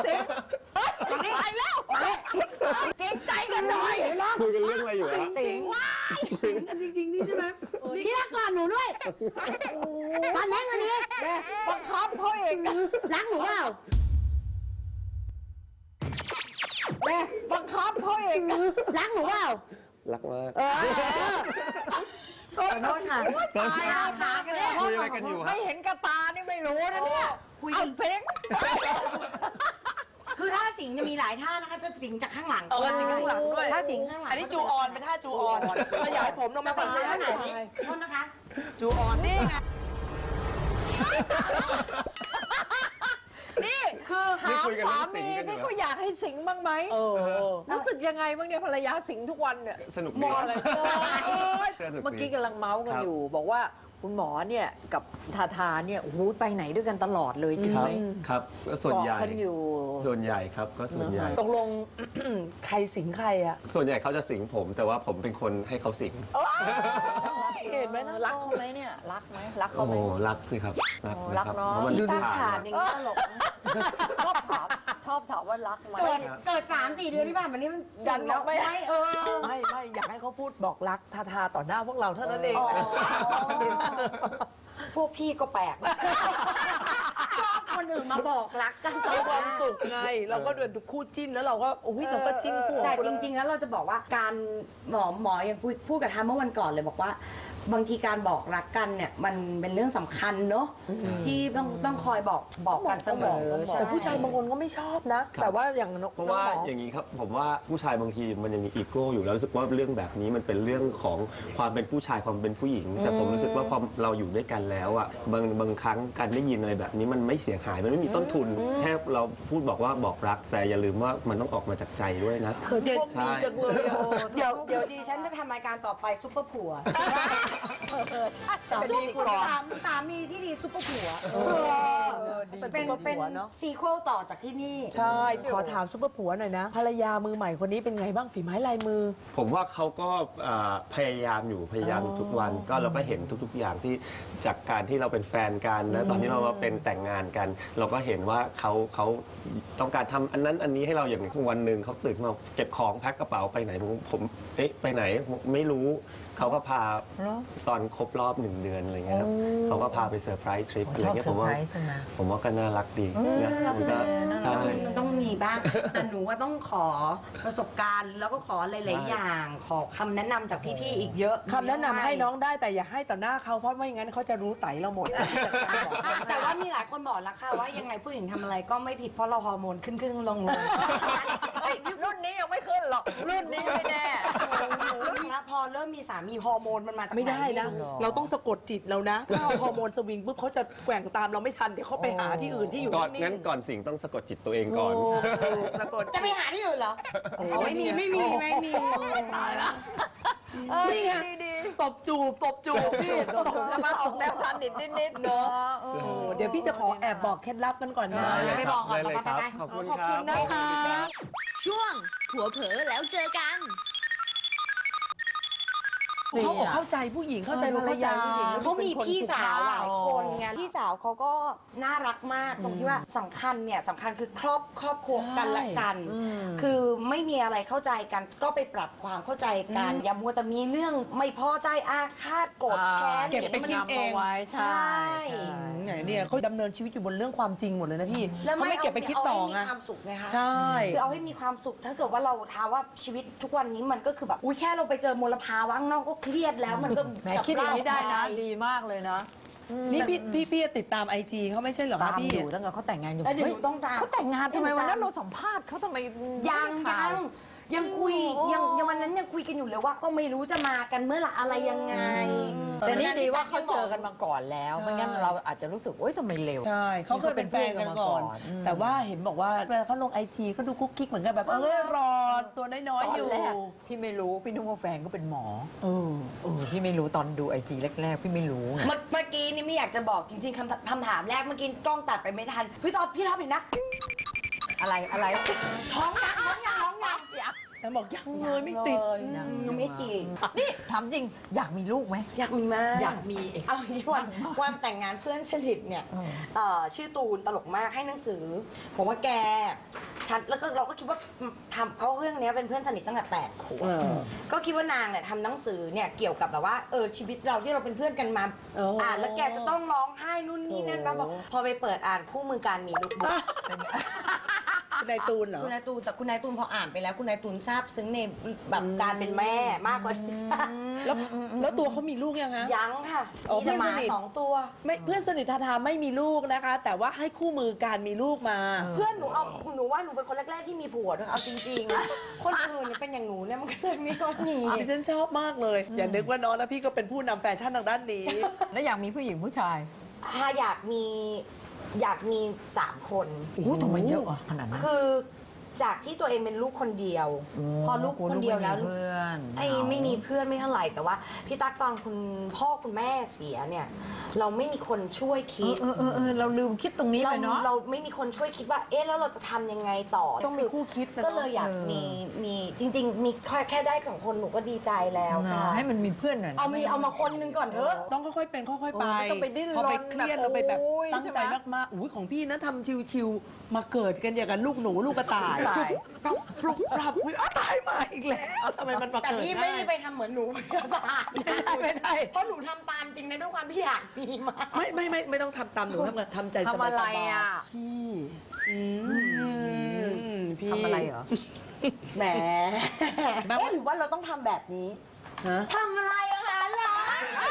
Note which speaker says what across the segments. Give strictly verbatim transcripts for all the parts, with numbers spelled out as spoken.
Speaker 1: สิงไปแล้วเก่งใจกันหน่อย
Speaker 2: คุยกันเรื่องอะไรอยู่ฮะ
Speaker 1: สิงว้ายสิงกันจริงๆนี่ใช่ไหมพี่รักก่อนหนูด้วยตอนแรกวันนี้บังคับเขาเองรักหนูเปล่าแม่บังคับเขาเองรักหนูเปล่า
Speaker 2: รักมาก
Speaker 1: ขอโทษค่ะตายแล้วขากันเลย
Speaker 2: คุยอะไรกันอยู่ฮะ
Speaker 1: ไม่เห็นกระตานี่ไม่รู้นะเนี่ยเอาสิง
Speaker 3: คือท่าสิงจะมีหลายท่านะคะจะสิงจากข้างหลังเอ
Speaker 1: อสิงข้างหลังด้วย
Speaker 3: ท่าสิงข้างหลัง
Speaker 1: อันนี้จูออนเป็นท่าจูออนขยายผมลงมาเป็นท่าไหน
Speaker 3: โทษนะคะ
Speaker 1: จูออนนี่ไงนี่คือหาสามีที่เขาอยากให้สิงบ้างไหมรู้สึกยังไงบ้างเนี่ยภรรยาสิงทุกวันเนี่ย
Speaker 2: สนุก
Speaker 1: มองอะไรเมื่อกี้กำลังเมาส์กันอยู่บอกว่าคุณหมอเนี่ยกับทาทาเนี่ยโอ้โหไปไหนด้วยกันตลอดเลยจริงไหม
Speaker 2: ครับส่วนใหญ่
Speaker 1: อยู่
Speaker 2: ส่วนใหญ่ครับก็ส่วนใหญ่
Speaker 1: ตกลงใครสิงใครอะ
Speaker 2: ส่วนใหญ่เขาจะสิงผมแต่ว่าผมเป็นคนให้เขาสิง
Speaker 1: เห็นไหมนะรักเขาไหมเนี่ยรักไหมรักเขาไหม
Speaker 2: โอ้รักสิครับ
Speaker 1: รักเนาะ
Speaker 3: ดูตั้งฉากอย่างนี้ตลก
Speaker 1: ชอบถามชอบถามว่ารักไหม
Speaker 3: เกิดเกิดสามสี่เดือนที่ผ่านมานี้มัน
Speaker 1: ยันแล้วไม่
Speaker 3: เออ
Speaker 1: ไม่ไม่อยากให้เขาพูดบอกรักทาทาต่อหน้าพวกเราเท่านั้นเอง
Speaker 3: พวกพี่ก็แปลกชอบคนอื่นมาบอกรักกัน
Speaker 1: มีความสุขไงเราก็เดินคู่จิ้นแล้วเราก็โอ้ยเราก็จิ้นคู่
Speaker 3: แต่จริงๆแล้วเราจะบอกว่าการหมอหมอยังพูดกับทามเมื่อวันก่อนเลยบอกว่าบางทีการบอกรักกันเนี่ยมันเป็นเรื่องสำคัญเนอะที่ต้องต้องคอยบอกบอกกันเสมอ
Speaker 1: แต่ผู้ชายบางคนก็ไม่ชอบนะแต่ว่าอย่าง
Speaker 2: เพราะว่าอย่างนี้ครับผมว่าผู้ชายบางทีมันยังมีอีโก้อยู่แล้วรู้สึกว่าเรื่องแบบนี้มันเป็นเรื่องของความเป็นผู้ชายความเป็นผู้หญิงแต่ผมรู้สึกว่าพอเราอยู่ด้วยกันแล้วอ่ะบางบางครั้งการได้ยินอะไรแบบนี้มันไม่เสียหายมันไม่มีต้นทุนแค่เราพูดบอกว่าบอกรักแต่อย่าลืมว่ามันต้องออกมาจากใจด้วยนะ
Speaker 1: เธอเดีจังเลย
Speaker 3: เดี๋ยวเดี๋ยวดิฉันจะทำรายการต่อไปซุปเปอร์ผัวสามีสามีที่ดีซุปเปอร์ผัวเป็นเป็นซีโคลต่อจากที่นี่
Speaker 1: ใช่ขอถามซุปเปอร์ผัวหน่อยนะภรรยามือใหม่คนนี้เป็นไงบ้างฝีไม้ลายมือ
Speaker 2: ผมว่าเขาก็พยายามอยู่พยายามทุกวันก็เราก็เห็นทุกๆอย่างที่จากการที่เราเป็นแฟนกันแล้วตอนที่เราเป็นแต่งงานกัน เราก็เห็นว่าเขาเขาต้องการทำอันนั้นอันนี้ให้เราอย่างวันหนึ่งเขาตื่นมาเก็บของแพ็คกระเป๋าไปไหนผมผมเอ๊ะไปไหนไม่รู้เขาก็พาตอนครบรอบหนึ่งเดือนอะไรเงี้ยครับเขาก็พาไปเซอร์ไพรส์ทริปอะไรเงี้ยผมว่าผมว่าก็น่ารักดีนะมันก็
Speaker 3: มันต้องมีบ้างแต่หนูว่าต้องขอประสบการณ์แล้วก็ขอหลายๆอย่างขอคำแนะนำจากพี่ๆอีกเยอะ
Speaker 1: คำแนะนำให้น้องได้แต่อย่าให้ต่อหน้าเขาเพราะไม่งั้นเขาจะรู้ไตเราหมด
Speaker 3: แต่ว่ามีหลายคนบอกแล้วค่ะว่ายังไงผู้หญิงทำอะไรก็ไม่ผิดเพราะเราฮอร์โมนขึ้นขึ้นลงลง
Speaker 1: รุ่นนี้ยังไม่ขึ้นหรอกรุ่นนี้ไม่แน่
Speaker 3: แล้วพอเริ่มมีสามีฮอร์โมนมันมาจากไหน
Speaker 1: ไม่ได้นะเราต้องสะกดจิตเรานะถ้าฮอร์โมนสวิงปุ๊บเขาจะแกว่งตามเราไม่ทันเดี๋ยวเขาไปหาที่อื่นที่อยู่
Speaker 2: ก่อนงั้นก่อนสิ่งต้องสะกดจิตตัวเองก่อน
Speaker 3: สะกดจะไปหาที่อื่นเหรอไม่มีไม่มีไม่มี
Speaker 1: ตายละนี่ไงตบจูบตบจูบพี่ตบแล้วมาออกแนวทันนิดนิดเนาะเดี๋ยวพี่จะขอแอบบอกเคล็ดลับกันก่อนนะ
Speaker 3: ไม่บอกก่อน
Speaker 2: เลยครับขอบคุณครับ
Speaker 1: นะคะ
Speaker 4: ช่วงผัวเผลอแล้วเจอกัน
Speaker 1: เขาบอกเข้าใจผู้หญิงเข้าใจภรรยา
Speaker 3: เขามีพี่สาวหลายคนไงพี่สาวเขาก็น่ารักมากตรงที่ว่าสำคัญเนี่ยสำคัญคือครอบครอบครัวกันและกันคือไม่มีอะไรเข้าใจกันก็ไปปรับความเข้าใจกันอย่ามัวแต่มีเรื่องไม่พอใจอาฆาตโกรธแค้น
Speaker 1: เก็บไปคิดเอง
Speaker 3: ไว้ใช่
Speaker 1: เนี่ยเขาดำเนินชีวิตอยู่บนเรื่องความจริงหมดเลยนะพี่เขาไม่เก็บไปคิดต่อไง
Speaker 3: มีความสุขไงคะ
Speaker 1: ใช่
Speaker 3: คือเอาให้มีความสุขถ้าเกิดว่าเราท้าว่าชีวิตทุกวันนี้มันก็คือแบบอุ้ยแค่เราไปเจอมลภาวะข้างนอกก็เครียดแล้วมันก็
Speaker 1: แหมคิดอย่างนี้ได้นะดีมากเลยนะนี่พี่พี่พี่ติดตามไอจีเขาไม่ใช่เหรอคะพี่
Speaker 3: อยู่ตั้งแต่เขาแต่งงานอยู่
Speaker 1: เดี๋ยวต้องตามเขาแต่งงานทำไมวันนั้นเราสัมภาษณ์เขาทำไม
Speaker 3: ยังยังยังคุยยังยังวันนั้นยังคุยกันอยู่เลยว่าก็ไม่รู้จะมากันเมื่อไหร่อะไรยังไง
Speaker 1: แต่นี่ดีว่าเขาเจอกันมาก่อนแล้วไม่งั้นเราอาจจะรู้สึกโอ๊ยทำไมเร็วใช่เขาเคยเป็นแฟนกันมาก่อนแต่ว่าเห็นบอกว่าเขาลงไอจีก็ดูคุกกิ๊กเหมือนกันแบบเออรอตัวน้อยๆอยู่พี่ไม่รู้พี่นึกว่าแฟนก็เป็นหมอเออเออพี่ไม่รู้ตอนดูไอจีแรกๆพี่ไม่รู้ไง
Speaker 3: เมื่อกี้นี่ไม่อยากจะบอกจริงๆคำคำถามแรกเมื่อกี้กล้องตัดไปไม่ทันพี่ตอบพี่ท็อปเห็นนะ
Speaker 1: อะไรอะไร
Speaker 3: ท้องยักท้องยักท้องยัก
Speaker 1: แล้วบอกยังเลยไม่ติด
Speaker 3: ยังยังไม่ติด
Speaker 1: นี่ถามจริงอยากมีลูกไหม
Speaker 3: อยากมีมาก
Speaker 1: อยากมี
Speaker 3: เอาอย่างนี้วันวันแต่งงานเพื่อนสนิทเนี่ย
Speaker 1: อืม
Speaker 3: เอ่อชื่อตูนตลกมากให้หนังสือ ผมว่าแกฉันแล้วก็เราก็คิดว่าทำเขาเรื่องเนี้ยเป็นเพื่อนสนิทตั้งแต่แปดขวบ
Speaker 1: เออ
Speaker 3: ก็คิดว่านางเนี่ยทำหนังสือเนี่ยเกี่ยวกับแบบว่าเออชีวิตเราที่เราเป็นเพื่อนกันมา
Speaker 1: โอ้
Speaker 3: อ่านแล้วแกจะต้องร้องไห้นู่นนี่นั่นมาบอกพอไปเปิดอ่านคู่มือการมีลูกบุ๊ก
Speaker 1: คุณนายตูนเหรอ
Speaker 3: คุณนายตูนแต่คุณนายตูนพออ่านไปแล้วคุณนายตูนทราบซึ้งในแบบการเป็นแม่มากกว่าที่ทราบ
Speaker 1: แล้วแล้วตัวเขามีลูกยังฮะ
Speaker 3: ยังค่ะ
Speaker 1: อ๋อ
Speaker 3: มีแต่หมา
Speaker 1: เพื่อนสนิท
Speaker 3: สองตัว
Speaker 1: ไม่เพื่อนสนิททาทาไม่มีลูกนะคะ แต่ว่าให้คู่มือการมีลูกมา
Speaker 3: เพื่อนหนูเอาหนูว่าหนูเป็นคนแรกๆที่มีผัวด้วยเอาจริงๆ คนอื่นเนี่ยเป็นอย่างหนูเนี่ยมันก็เลยไม่ก็มี
Speaker 1: ดิฉันชอบมากเลย อย่านึกว่าน้องนะพี่ก็เป็นผู้นำแฟชั่นทางด้านนี้
Speaker 5: แล้วอยากมีผู้หญิงผู้ชาย
Speaker 3: ถ้าอยากมีอยากมีสามคน
Speaker 5: โอ้โหทำไมเยอะอ่ะขนาดนั้น
Speaker 3: คือจากที่ตัวเองเป็นลูกคนเดียว พอลูกคนเดียวแล้ว
Speaker 5: เพื่อน
Speaker 3: ไอ้ไม่มีเพื่อนไม่เท่าไหร่แต่ว่าพี่ตั๊กตอนคุณพ่อคุณแม่เสียเนี่ย เราไม่มีคนช่วย
Speaker 5: เอ
Speaker 3: คิด
Speaker 5: อเออเออเออเราลืมคิดตรงนี้
Speaker 3: เรา
Speaker 5: ไปเนาะ
Speaker 3: เราไม่มีคนช่วยคิดว่า เอ๊ะแล้วเราจะทำยังไงต่อ
Speaker 1: ต้องมีคู่คิดนะ
Speaker 3: ก็เลยอยาก
Speaker 5: เออ
Speaker 3: มีมีจริง ๆ มีแค่แค่ได้สองคนหนูก็ดีใจแล้วค่ะ
Speaker 5: ให้มันมีเพื่อนหน่อยนะ
Speaker 3: เอามีเอามาคนหนึงก่อนเถอะ
Speaker 1: ต้องค่อยๆเป็นค่อยๆไป
Speaker 5: เออไม่ต้องไปดิ้นรน
Speaker 1: พอไปเครียดเราไปแบบ
Speaker 5: แบบโอ้ย
Speaker 1: ตั้ง
Speaker 5: ใช่
Speaker 1: ใจ
Speaker 5: ไหม
Speaker 1: มากๆอุ้ยของพี่นะทำชิวๆมาเกิดกันอย่างกับลูกหนูลูกกระต่าย
Speaker 5: ตาย
Speaker 1: ก็ปลุกปรับอุ้ยอ้าวตายมาอีกแล้วทำไมมันมา
Speaker 3: แต่
Speaker 1: เกิด
Speaker 3: พี่ไม่ได้ไปทำเหมือนหนูกระต่าย
Speaker 1: ไม่ได้ไม่ได้
Speaker 3: เพราะหนูทำตามจริงนะด้วยความที่อยากมีมา
Speaker 1: ไม่ไม่ไม่ไม่ต้องทำตามหนูทำทำใจสบายๆ
Speaker 5: ทำอะไรอ่ะ
Speaker 1: พี่อืมพี่
Speaker 5: ทำอะไรเหรอ
Speaker 3: แหม
Speaker 1: แบบว่า
Speaker 3: เอ๊ะหรือว่าเราต้องทำแบบนี้
Speaker 1: ฮะ
Speaker 3: ทำอะไรอะคะล่ะ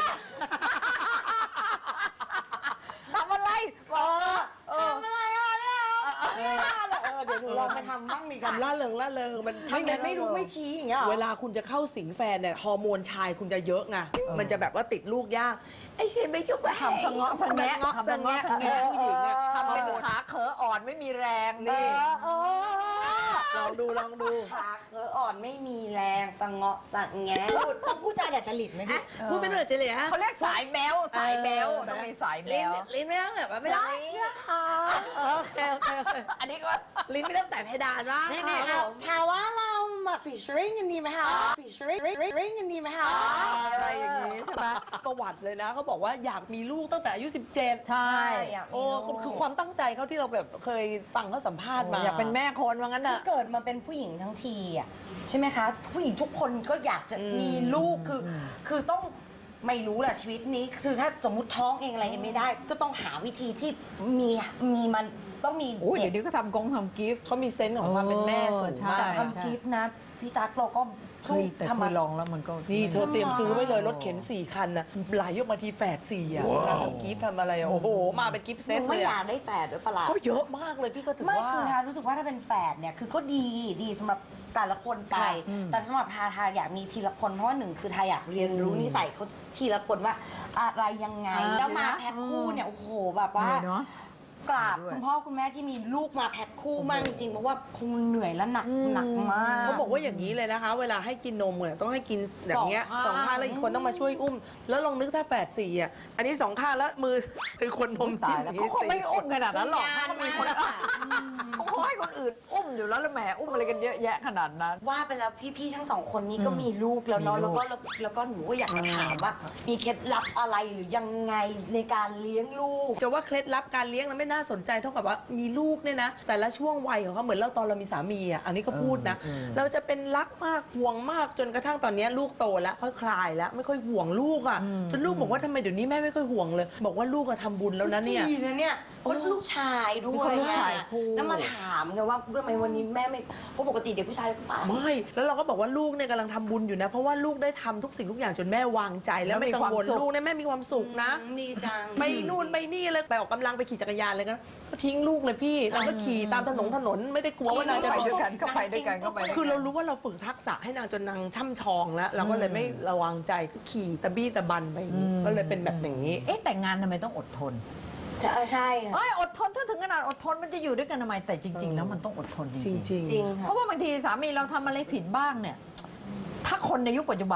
Speaker 5: ทำอะไรบอกเออ
Speaker 3: ทำอะไรอะเนี่ยไม่น่าเลยเออเดี๋ยวหนูลองไปทำบ้างดีกัน
Speaker 1: ล่าเริงล่าเริงมัน
Speaker 3: ทำแบบไม่รู้ไม่ชี้อย่างเงี้ยหรอ
Speaker 1: เวลาคุณจะเข้าสิงแฟนเนี่ยฮอร์โมนชายคุณจะเยอะไง
Speaker 5: อ
Speaker 1: มันจะแบบว่าติดลูกยากไอ้เชนไม่จุก
Speaker 5: ทำสะเงาะสะแงะ
Speaker 1: ทำสะเงาะสะแงะ
Speaker 5: ทำ
Speaker 1: ผู้หญิงอะ
Speaker 5: ทำเป็นขาเขออ่อนไม่มีแรง
Speaker 1: นี่
Speaker 5: นี่
Speaker 3: เออ
Speaker 1: ลองดูลองดู
Speaker 3: ขาเขออ่อนไม่มีแรงสะเงาะสะแงะพูดต้องพูดจาแดดจริตไหมพี่
Speaker 5: เออ
Speaker 1: พูดไม่เหนื่อยจะเลยฮะ
Speaker 5: เขาเรียกสายแบวสายแบวต้องมีสายแบ
Speaker 1: ลิ้น
Speaker 5: ว
Speaker 1: ลิ้นไม่ต้องแบบว่าไม่ได้นะคะโอเคโอเคโอเค
Speaker 5: อันนี้ก็
Speaker 1: ลิ้นไม่ต้องแต่เพดานว่า
Speaker 3: นี่นี่ถามว่าเรามาฟิชริงกันดีไหมคะฟิชริงริงกันดีไหมคะ
Speaker 5: อะไรอย่างนี้ใช่ไหม
Speaker 1: ประวัติเลยนะเขาบอกว่าอยากมีลูกตั้งแต่อายุสิบเจ็ด
Speaker 5: ใช่
Speaker 3: อยากมี
Speaker 1: โอ้
Speaker 3: ลูก
Speaker 1: คือความตั้งใจเขาที่เราแบบเคยฟังเขาสัมภาษณ์มา
Speaker 5: อยากเป็นแม่คนว่างั้น
Speaker 3: คื
Speaker 5: เถ
Speaker 3: อ
Speaker 5: อะ
Speaker 3: เกิดมาเป็นผู้หญิงทั้งทีอ่ะใช่ไหมคะ ผู้หญิงทุกคนก็อยากจะมีลูกคืออคือต้องไม่รู้แหละชีวิตนี้ คือถ้าสมมุติท้องเองอะไรเองไม่ได้ ก็ต้องหาวิธีที่มีมีมันต้องมี
Speaker 5: โอ้ย
Speaker 3: เด็
Speaker 5: เดี๋ย
Speaker 3: ก
Speaker 5: วนี้ก็ทำกงทำกิฟต์
Speaker 1: เขามีเซนส์ของความเป็นแม่สูง
Speaker 5: ใช่
Speaker 1: มาก
Speaker 3: แต่ทำกิฟต์นะพี่ตั๊กเราก็
Speaker 5: เคยแต่
Speaker 3: ทำ
Speaker 5: เค
Speaker 3: มาย
Speaker 5: ลองแล้วมันก็
Speaker 1: นี่เธอเตรียมซื้อไว้เลยรถเข็นสี่คันนะไหลยกมาทีแฝดสี่อ่ะเวลาทำกิฟต์ทำอะไรอะโอ้โห มาเป็นกิฟต์
Speaker 3: ห
Speaker 1: เซต
Speaker 3: นู
Speaker 1: เล
Speaker 3: ไม่
Speaker 1: ย
Speaker 3: อยา
Speaker 1: อะ
Speaker 3: กได้แฝดด้วยประหลาด
Speaker 1: ก็เยอะมากเลยพี่ก็ถือ
Speaker 3: ไม่
Speaker 1: ว่า
Speaker 3: คือทารู้สึกว่าถ้าเป็นแฝดเนี่ยคือก็ดีดีสำหรับแต่ละคนไป
Speaker 5: อืม
Speaker 3: แต่สำหรับทาทาอยากมีทีละคนเพราะว่าหนึ่งคือทาอยากเรียนรู้นิสัยเขาทีละคนว่าอะไรยังไง
Speaker 5: อ่า
Speaker 3: แล้วมาแพ็คคู่เนี่ยโอ้โหแบบว่า
Speaker 5: เหนื่อยเนอะ
Speaker 3: กราบ
Speaker 5: ด้วย
Speaker 3: คุณพ่อคุณแม่ที่มีลูกมาแพ็คคู่มากจริงๆเพราะว่าคงเหนื่อยและหนัก
Speaker 5: อืม
Speaker 3: หนักมาก
Speaker 1: เขาบอกว่าอย่างนี้เลยนะคะ เวลาให้กินนมเนี่ยต้องให้กินอย่างเงี้ย
Speaker 3: ส
Speaker 1: ส
Speaker 3: อ
Speaker 1: อง ง
Speaker 3: ข้าง
Speaker 1: ข้างแล้วอีกคนต้องมาช่วยอุ้ม แล้วลองนึกถ้าแฝดสี่อ่ะอันนี้สองข้างแล้วมือคือคนนม
Speaker 5: ตายแล้วเขาคงไม่อุ้มขนาดนั้นหรอก
Speaker 3: งาน
Speaker 5: เขามีคน
Speaker 3: มาก
Speaker 5: เขาคงให้คนอื่นอุ้มอยู่แล้วแล้วแหมอุ้มอะไรกันเยอะแยะขนาดนั้น
Speaker 3: ว่าไปแล้วพี่ๆทั้งสองคนนี้ก็
Speaker 5: อืม
Speaker 3: มีลูกแล้วเนาะ
Speaker 5: มีลู
Speaker 3: แล้ว
Speaker 5: ก
Speaker 3: ก็แล้วแล้วก็หนูก็อยากจะถามว่า มีเคล็ดลับอะไรหรือยังไงในการเลี้ยงลูก
Speaker 1: จะว่าเคล็ดลับการเลี้ยงนั้นไม่น่าสนใจเท่ากับว่ามีลูกเนี่ยนะ แต่ละช่วงวัยของเขาเหมือนเราตอนเรามีสามีอ่ะอันนี้ก็พูดนะ
Speaker 5: เออเออ
Speaker 1: เราจะเป็นรักมากห่วงมากจนกระทั่งตอนเนี้ยลูกโตแล้วค่อยคลายแล้ว ไม่ค่อยห่วงลูกอ่ะ
Speaker 5: อืม
Speaker 1: จนลูกบอกว่าทำไมเดี๋ยวนี้แม่ไม่ค่อยห่วงเลย บอกว่าลูกอะทำบุญแล้วนะเนี่ย
Speaker 3: ดีนะเนี่ยเพราะลูกชายด้
Speaker 5: นี่
Speaker 3: วย
Speaker 5: เขาลูกชาย
Speaker 3: อะ
Speaker 5: คู่
Speaker 3: แล้วมาถามไงว่าทำไมวันนี้แม่ไม่เพราะปกติเด็กผู้ชายก็ไป
Speaker 1: ไม่แล้วเราก็บอกว่าลูกเนี่ยกำลังทำบุญอยู่นะ เพราะว่าลูกได้ทำทุกสิ่งทุกอย่างจนแม่วางใจแล้วไม่กังวล
Speaker 5: แล้วมีความสุข
Speaker 1: ลูกเนี่ยแม่มีความสุขนะ
Speaker 3: อืมดีจัง
Speaker 1: ไปนู่นไปนี่เลยไปออกกำลังไปขี่จักรยานเลยนะก็ทิ้งลูกเลยพี่เราก็ขี่ตามถนนถนนไม่ได้กลัวว่านางจะ
Speaker 5: ไป
Speaker 1: โด
Speaker 5: ด้วย
Speaker 1: น
Speaker 5: กันก็ไปด้วยกันก็ไปด้วยกัน
Speaker 1: คือเรารู้ว่าเราฝึกทักษะให้นางจนนางช่ำชองแล้ว เราก็เลยไม่ระวังใจก็ขี่ตะบี้ตะบันไปอย่างนี้
Speaker 5: อืม
Speaker 1: ก็เลยเป็นแบบอย่างนี้
Speaker 5: เอ๊ะแต่งงานทำไมต้องอดทน
Speaker 3: ใช่ใช่ค่ะ
Speaker 5: เอ้ยอดทนถ้าถึงขนาดอดทนมันจะอยู่ด้วยกันทำไมแต่จริง ๆ แล้วมันต้องอดทนจ
Speaker 1: จ
Speaker 5: ริง
Speaker 1: ริง
Speaker 5: ๆ
Speaker 1: ๆ
Speaker 3: จริง
Speaker 5: เพ
Speaker 3: ค่ะ
Speaker 5: ราะว่าบางทีสามีเราทำอะไรผิดบ้างเนี่ย ถ้าคนในยุคปัจจุบันแม่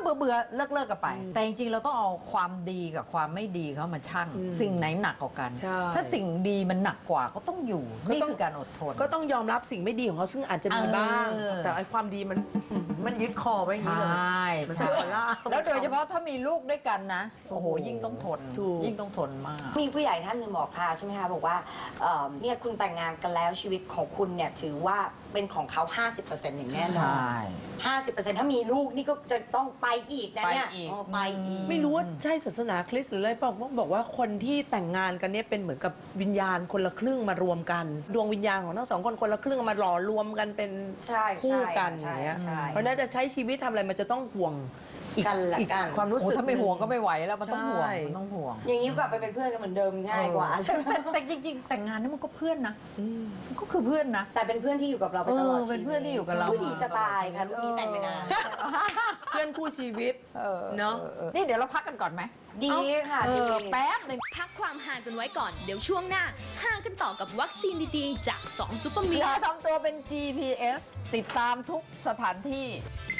Speaker 5: เบื่อเบื่อเลิกเลิกกันไป
Speaker 1: อืม
Speaker 5: แต่จริงๆเราต้องเอาความดีกับความไม่ดีเขามาชั่ง
Speaker 1: อืม
Speaker 5: สิ่งไหนหนักกว่ากัน
Speaker 1: ใช่
Speaker 5: ถ้าสิ่งดีมันหนักกว่าก็ต้องอยู่
Speaker 1: ก็
Speaker 5: นี่
Speaker 1: ต้อง
Speaker 5: คือการอดทน
Speaker 1: ก็ต้องยอมรับสิ่งไม่ดีของเขาซึ่งอาจจะมี
Speaker 5: เออ
Speaker 1: บ้าง แต่ไอ้ความดีมัน มันยึดคอไว้อย่าง
Speaker 5: ใช
Speaker 1: นี้เลย่ มัน
Speaker 5: ใช่
Speaker 1: เป็นคนล่า
Speaker 5: แล้วโดยเฉพาะถ้ามีลูกด้วยกันนะ โอ้โห
Speaker 1: โอ้โห
Speaker 5: ยิ่งต้องทน
Speaker 1: ถูก
Speaker 5: ยิ่งต้องทนมาก
Speaker 3: มีผู้ใหญ่ท่านหนึ่งบอกพาใช่ไหมคะบอกว่าเอ่อเนี่ยคุณแต่งงานกันแล้วชีวิตของคุณเนี่ยถือว่าเป็นของเขา ห้าสิบเปอร์เซ็นต์ อย่างแน่น
Speaker 5: ใช
Speaker 3: อน่ ห้าสิบเปอร์เซ็นต์ ถ้ามีลูกนี่ก็จะต้องไปอีกนะเนี่ย
Speaker 5: ไปอีก
Speaker 3: เออไปอีก
Speaker 1: ไม่รู้ว่าใช่ศาสนาคริสต์หรืออะไรบอกว่าบอกว่าคนที่แต่งงานกันเนี่ยเป็นเหมือนกับวิญญาณคนละครึ่งมารวมกัน ดวงวิญญาณของทั้งสองคนคนละครึ่งมาหล่อรวมกันเป็น
Speaker 3: ใช่
Speaker 1: คู่กันอ
Speaker 3: ใช่
Speaker 1: ย่างเงี้ย
Speaker 3: ใช่
Speaker 1: เพราะฉะนั้นจะใช้ชีวิตทำอะไรมันจะต้องห่วงอีก
Speaker 3: กันละ
Speaker 1: อีก
Speaker 3: กัน
Speaker 1: ความรู้
Speaker 5: โอ้
Speaker 1: สึก
Speaker 5: ถ้าไม่ห่วงก็ไม่
Speaker 1: หนึ่
Speaker 5: ไหวแล้วมันต้องห่วง
Speaker 1: ใช่
Speaker 5: มันต้องห่วง
Speaker 3: อย่างนี้กลับไปเป็นเพื่อนกันเหมือนเดิมง่ายกว่า
Speaker 1: เออ
Speaker 3: ใช่ไหม
Speaker 5: แต่แต่จริงๆ แต่งงานนี่มันก็เพื่อนนะ
Speaker 1: อืม
Speaker 5: มันก็คือเพื่อนนะ
Speaker 3: แต่เป็นเพื่อนที่อยู่กับเราไปตลอด
Speaker 5: เออเป็นเพื่อนที่อยู่กับเรา
Speaker 3: ลูกดีจะตายค่ะลูกนี้แต่งไปนาน
Speaker 1: เพื่อนคู่ชีวิต
Speaker 5: เออ
Speaker 1: เนอะ
Speaker 5: ออออนี่เดี๋ยวเราพักกันก่อนไหม
Speaker 3: ดีค่ะ
Speaker 5: เอ
Speaker 3: ดี
Speaker 5: อแป๊บหนึง
Speaker 4: พักความห่างกันไว้ก่อน เดี๋ยวช่วงหน้าห่างกันต่อกับวัคซีนดีๆ จากสองซุปเปอร์มิ
Speaker 5: อย่า
Speaker 4: ล
Speaker 5: ทำตัวเป็น จี พี เอส ติดตามทุกสถานที่